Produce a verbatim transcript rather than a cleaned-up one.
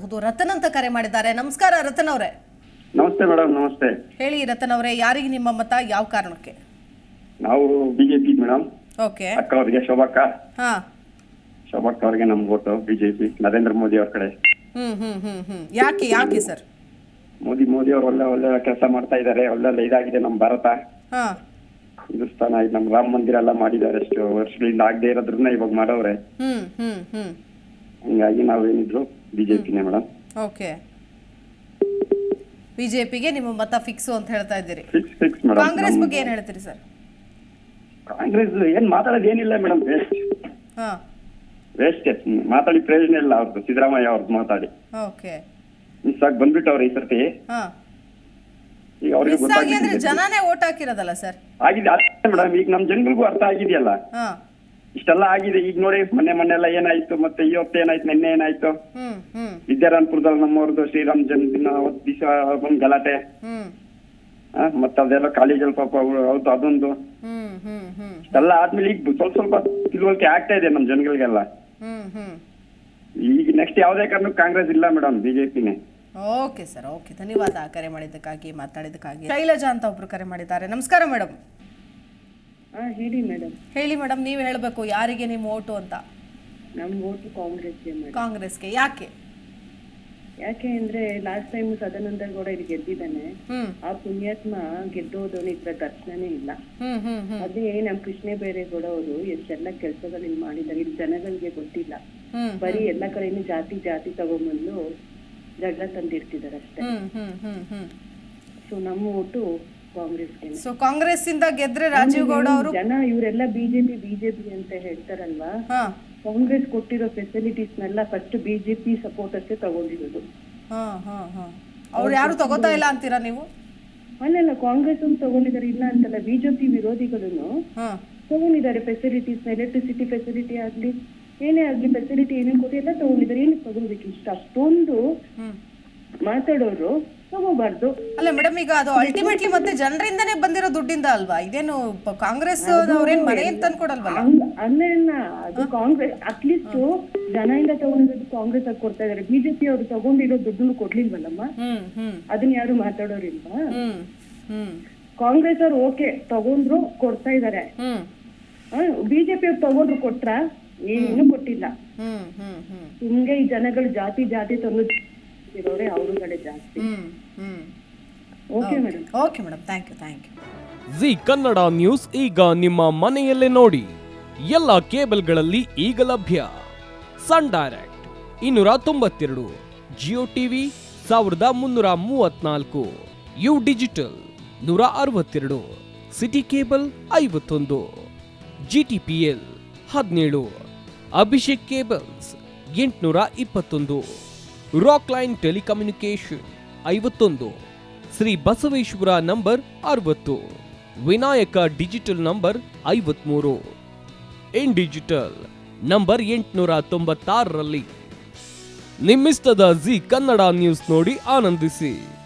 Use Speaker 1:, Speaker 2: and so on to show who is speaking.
Speaker 1: ಮಾತಾಡಬಹುದು. ರತನ್ ಅಂತ ಕರೆ ಮಾಡಿದ್ದಾರೆ. ನಮಸ್ಕಾರ ರತನ್ ಅವರೇ.
Speaker 2: ನಮಸ್ತೆ ಮೇಡಮ್. ನಮಸ್ತೆ.
Speaker 1: ಹೇಳಿ ರತನ್ ಅವರೇ, ಯಾರಿಗೆ ನಿಮ್ಮ ಮತ, ಯಾವ ಕಾರಣಕ್ಕೆ?
Speaker 2: ನಾವು ಬಿಜೆಪಿ ಮೇಡಮ್.
Speaker 1: ಓಕೆ.
Speaker 2: ಅಕ್ಕ ಅವರಿಗೆ, ಶೋಭಕ್ಕ.
Speaker 1: ಹಾ.
Speaker 2: ಶೋಭಕ್ಕ ಅವರಿಗೆ ನಮ್ ವೋಟು ಬಿಜೆಪಿ, ನರೇಂದ್ರ ಮೋದಿ ಅವ್ರ ಕಡೆ.
Speaker 1: ಹ್ಮ್ ಹ್ಮ್ ಹ್ಮ್ ಹ್ಮ್ ಯಾಕೆ ಯಾಕೆ ಸರ್?
Speaker 2: ಮೋದಿ ಮೋದಿ ಅವ್ರು ಒಳ್ಳೆ ಒಳ್ಳೆ ಕೆಲಸ ಮಾಡ್ತಾ ಇದ್ದಾರೆ. ಒಳ್ಳೆ ಇದಾಗಿದೆ ನಮ್ಮ ಭಾರತ.
Speaker 1: ಹಾ.
Speaker 2: ಹಿಂದೂಸ್ತಾನ ಇದು ನಮ್ಮ ರಾಮ ಮಂದಿರ ಎಲ್ಲ ಮಾಡಿದ್ದಾರೆ. ಎಷ್ಟು ವರ್ಷಗಳಿಂದ ಆಗದೆ ಇರೋದ್ರನ್ನ ಇವಾಗ ಮಾಡವ್ರೆ.
Speaker 1: ಹ್ಮ್ ಹ್ಮ್ ಹ್ಮ್
Speaker 2: ಹಂಗಾಗಿ ನಾವೇನಿದ್ರು ಬಿಜೆಪಿನೇ ಮೇಡಮ್.
Speaker 1: ಓಕೆ. ಬಿಜೆಪಿಗೆ ನಿಮ್ಮ ಮತ ಫಿಕ್ಸ್ ಅಂತ ಹೇಳ್ತಾ ಇದ್ದೀರಿ.
Speaker 2: Fix fix madam.
Speaker 1: ಕಾಂಗ್ರೆಸ್ ಬಗ್ಗೆ ಏನ್ ಹೇಳ್ತೀರಿ ಸರ್?
Speaker 2: ಕಾಂಗ್ರೆಸ್ ಏನ್ ಮಾತಾಡೋದು ಏನಿಲ್ಲ ಮೇಡಮ್. ವೇಸ್ಟ್
Speaker 1: ಹಾ
Speaker 2: ವೇಸ್ಟ್ ಮಾತಾಡಿ ಪ್ರಯೋಜನ ಇಲ್ಲ ಅವ್ರದ್ದು. ಸಿದ್ದರಾಮಯ್ಯ ಅವ್ರದ್ದು ಮಾತಾಡಿ
Speaker 1: ಓಕೆ
Speaker 2: ಮಿಸ್ ಆಗಿ ಬಂದ್ಬಿಟ್ಟವ್ರೆ ಈ ಸರ್ತಿ.
Speaker 1: ಹಾ.
Speaker 2: ಈಗ ಅವ್ರಿಗೆ
Speaker 1: ಮಿಸ್ ಆಗಿ ಅಂದ್ರೆ
Speaker 2: ಗೊತ್ತಾಗಿದೆ.
Speaker 1: ಜನನೇ ಓಟ್ ಹಾಕಿರೋದಲ್ಲ ಸರ್?
Speaker 2: ಆಗಿದೆ ಮೇಡಮ್. ಈಗ ನಮ್ ಜನಗಳಿಗೂ ಅರ್ಥ ಆಗಿದೆಯಲ್ಲ.
Speaker 1: ಹಾ.
Speaker 2: ಇಷ್ಟೆಲ್ಲ ಆಗಿದೆ. ಈಗ ನೋಡಿ ಮೊನ್ನೆ ಮೊನ್ನೆ ಎಲ್ಲ ಏನಾಯ್ತು, ಮತ್ತೆ ಇವತ್ತು ಏನಾಯ್ತು, ನಿನ್ನೆ ಏನಾಯ್ತು.
Speaker 1: ಹ್ಮ್ ಹ್ಮ್
Speaker 2: ವಿದ್ಯಾರಾಯಣಪುರದಲ್ಲಿ ನಮ್ಮವ್ರದ್ದು ಶ್ರೀರಾಮ್ ಜನ್ಮದಿನ ಅವತ್ತು ದಿವಸ ಒಂದು ಗಲಾಟೆ.
Speaker 1: ಹ್ಮ್
Speaker 2: ಮತ್ತೆ ಅದೆಲ್ಲ ಕಾಲೇಜಲ್ಲಿ ಪಾಪ ಹೌದು ಅದೊಂದು.
Speaker 1: ಹ್ಮ್ ಹ್ಮ್ ಹ್ಮ್
Speaker 2: ಇಷ್ಟೆಲ್ಲ ಆದ್ಮೇಲೆ ಈಗ ಸ್ವಲ್ಪ ಸ್ವಲ್ಪ ತಿಳುವಳಿಕೆ ಆಗ್ತಾ ಇದೆ ನಮ್ ಜನಗಳಿಗೆಲ್ಲ.
Speaker 1: ಹ್ಮ್ ಹ್ಮ್
Speaker 2: ಈಗ ನೆಕ್ಸ್ಟ್ ಯಾವ್ದೇ ಕಾರಣಕ್ಕೂ ಕಾಂಗ್ರೆಸ್ ಇಲ್ಲ ಮೇಡಮ್, ಬಿಜೆಪಿನೇ.
Speaker 1: Okay sir. ಓಕೆ, ಧನ್ಯವಾದ ಕರೆ ಮಾಡಿದ್ದಕ್ಕಾಗಿ, ಮಾತಾಡಿದ್ದಕ್ಕಾಗಿ. ಶೈಲಜಾ ಅಂತ ಒಬ್ರು ಕರೆ ಮಾಡಿದ್ದಾರೆ. ನಮಸ್ಕಾರ ಮೇಡಮ್.
Speaker 3: ಹೇಳಿ ಮೇಡಮ್.
Speaker 1: ಹೇಳಿ ಮೇಡಮ್, ನೀವು ಹೇಳಬೇಕು ಯಾರಿಗೆ ನಿಮ್ಮ ಓಟು ಅಂತ.
Speaker 3: ನಮ್ಮ ಓಟು ಕಾಂಗ್ರೆಸ್ಗೆ ಮೇಡಮ್.
Speaker 1: ಕಾಂಗ್ರೆಸ್ಗೆ. ಯಾಕೆ?
Speaker 3: ಯಾಕೆ ಅಂದ್ರೆ ಲಾಸ್ಟ್ ಟೈಮ್ ಸದಾನಂದ ಗೌಡ ಇಲ್ಲಿ ಗೆದ್ದಿದ್ದಾನೆ.
Speaker 1: ಹ್ಮ್
Speaker 3: ಆ ಪುಣ್ಯಾತ್ಮ ಗೆದ್ದೋದವನು ಇದ್ರ ದರ್ಶನನೇ ಇಲ್ಲ.
Speaker 1: ಹ್ಮ್ ಹ್ಮ್ ಹ್ಮ್
Speaker 3: ಅದೇ ನಮ್ ಕೃಷ್ಣ ಬೈರೇಗೌಡ ಅವರು ಎಷ್ಟೆಲ್ಲ ಕೆಲಸಗಳು ಇಲ್ಲಿ ಮಾಡಿದ್ದಾರೆ. ಇಲ್ಲಿ ಜನಗಳಿಗೆ ಗೊತ್ತಿಲ್ಲ.
Speaker 1: ಹ್ಮ್
Speaker 3: ಬರೀ ಎಲ್ಲ ಕಡೆನೂ ಜಾತಿ ಜಾತಿ ತಗೊಂಡ್ಬಂದು ಜಗಳ ತಂದಿರ್ತಿದಾರೆ ಅಷ್ಟೇ.
Speaker 1: Hmm hmm hmm hmm
Speaker 3: so ನಮ್ಮ ಓಟು ಕಾಂಗ್ರೆಸ್ಗೆ.
Speaker 1: ಸೊ ಕಾಂಗ್ರೆಸ್ ಇಂದ ಗೆದ್ರೆ ರಾಜೀವ್ ಗೌಡ ಅವರು
Speaker 3: ಜನ ಇವರೆಲ್ಲ ಬಿಜೆಪಿ ಬಿಜೆಪಿ ಅಂತ ಹೇಳ್ತಾರಲ್ವಾ,
Speaker 1: ಹಾ
Speaker 3: ಕಾಂಗ್ರೆಸ್ ಕೊಟ್ಟಿರೋ ಫೆಸಿಲಿಟೀಸ್ನೆಲ್ಲ ಫಸ್ಟ್ ಬಿಜೆಪಿ ಸಪೋರ್ಟರ್ಸ್ ತಗೊಂಡಿರೋದು.
Speaker 1: ಹಾ ಹಾ ಹಾ ಅವ್ರು ಯಾರು ತಗೋತಾ ಇಲ್ಲ ಅಂತೀರಾ ನೀವು?
Speaker 3: ಅಲ್ಲಲ್ಲ, ಕಾಂಗ್ರೆಸ್ ಒಂದು ತಗೊಂಡಿದ್ದಾರೆ, ಇಲ್ಲ ಅಂತಲ್ಲ. ಬಿಜೆಪಿ ವಿರೋಧಿಗಳನ್ನು
Speaker 1: ಹಾ
Speaker 3: ತಗೊಂಡಿದ್ದಾರೆ. ಫೆಸಿಲಿಟೀಸ್, ಎಲೆಕ್ಟ್ರಿಸಿಟಿ ಫೆಸಿಲಿಟಿ ಆಗ್ಲಿ, ಏನೇ ಆಗ್ಲಿ ಫೆಸಿಲಿಟಿ ಏನೇನು ಕೊಟ್ಟು ಎಲ್ಲ ತಗೊಂಡಿದ್ದಾರೆ. ಏನಕ್ಕೆ ತಗೋಬೇಕು? ಇಷ್ಟ ಅಷ್ಟೊಂದು
Speaker 1: ಹ್ಮ್
Speaker 3: ಮಾತಾಡೋರು ತಗೋಬಾರ್ದು.
Speaker 1: ಅಲ್ಲ ಮೇಡಮ್, ಈಗ ಅದು ಅಲ್ಟಿಮೇಟ್ಲಿ ಮತ್ತೆ ಜನರಿಂದನೇ ಬಂದಿರೋ ದುಡ್ಡಿಂದ ಅಲ್ವಾ? ಇದೇನು ಪ- ಕಾಂಗ್ರೆಸ್ ಅವ್ರೇನ್ ಮನೆ ಅಂತ ಅನ್ಕೊಡಲ್ವಲ್ಲ?
Speaker 3: ಅಲ್ಲ, ಅದು ಕಾಂಗ್ರೆಸ್ ಅಟ್ಲೀಸ್ಟ್ ಜನರಿಂದ ತಗೊಂಡಿರೋದು ಕಾಂಗ್ರೆಸ್ ಆಗಿ ಕೊಡ್ತಾ ಇದಾರೆ. ಬಿಜೆಪಿ ಅವರು ತಗೊಂಡಿರೋ ದುಡ್ಡನ್ನು ಕೊಡ್ಲಿಲ್ವಲ್ಲಮ್ಮ.
Speaker 1: ಹ್ಮ್ ಹ್ಮ್
Speaker 3: ಅದನ್ನ ಯಾರು ಮಾತಾಡೋರಿಲ್ವಾ?
Speaker 1: ಹ್ಮ್ ಹ್ಮ್
Speaker 3: ಕಾಂಗ್ರೆಸ್ ಅವ್ರು ಓಕೆ ತಗೊಂಡ್ರು ಕೊಡ್ತಾ ಇದಾರೆ.
Speaker 1: ಹ್ಮ್
Speaker 3: ಬಿಜೆಪಿ ಅವ್ರು ತಗೊಂಡ್ರು ಕೊಟ್ರ? ಏನು ಕೊಟ್ಟಿಲ್ಲ.
Speaker 1: ಹ್ಮ್ ಹ್ಮ್ ಹ್ಮ್
Speaker 3: ಹಿಂಗೆ ಈ ಜನಗಳು ಜಾತಿ ಜಾತಿ ತಂದು ಇರೋರೆ ಅವ್ರ ಕಡೆ ಜಾಸ್ತಿ.
Speaker 1: Hmm hmm
Speaker 3: okay madam.
Speaker 1: Okay madam, thank you thank you.
Speaker 4: Zee Kannada news ಈಗ ನಿಮ್ಮ ಮನೆಯಲ್ಲೇ ನೋಡಿ. ಎಲ್ಲ ಕೇಬಲ್ಗಳಲ್ಲಿ ಈಗ ಲಭ್ಯ. ಸನ್ ಡೈರೆಕ್ಟ್ ಇನ್ನೂರ ತೊಂಬತ್ತೆರಡು, ಜಿಯೋ ಟಿವಿ ಸಾವಿರದ ಮುನ್ನೂರ ಮೂವತ್ನಾಲ್ಕು, ಯು ಡಿಜಿಟಲ್ ನೂರ ಅರವತ್ತೆರಡು, ಸಿಟಿ ಕೇಬಲ್ ಐವತ್ತೊಂದು, ಜಿ ಟಿ ಪಿ ಎಲ್ ಹದಿನೇಳು, ಅಭಿಷೇಕ್ ಕೇಬಲ್ಸ್ ಎಂಟುನೂರ ಇಪ್ಪತ್ತೊಂದು, ರಾಕ್ ಲೈನ್ ಟೆಲಿಕಮ್ಯುನಿಕೇಶನ್ ಐವತ್ತೊಂದು, ಶ್ರೀ ಬಸವೇಶ್ವರ ನಂಬರ್ ಅರವತ್ತು, ವಿನಾಯಕ ಡಿಜಿಟಲ್ ನಂಬರ್ ಐವತ್ಮೂರು, ಇನ್ ಡಿಜಿಟಲ್ ನಂಬರ್ ಎಂಟುನೂರ ತೊಂಬತ್ತಾರರಲ್ಲಿ. ನಿಮ್ಮಿಸ್ತದ ಜಿ ಕನ್ನಡ ನ್ಯೂಸ್ ನೋಡಿ ಆನಂದಿಸಿ.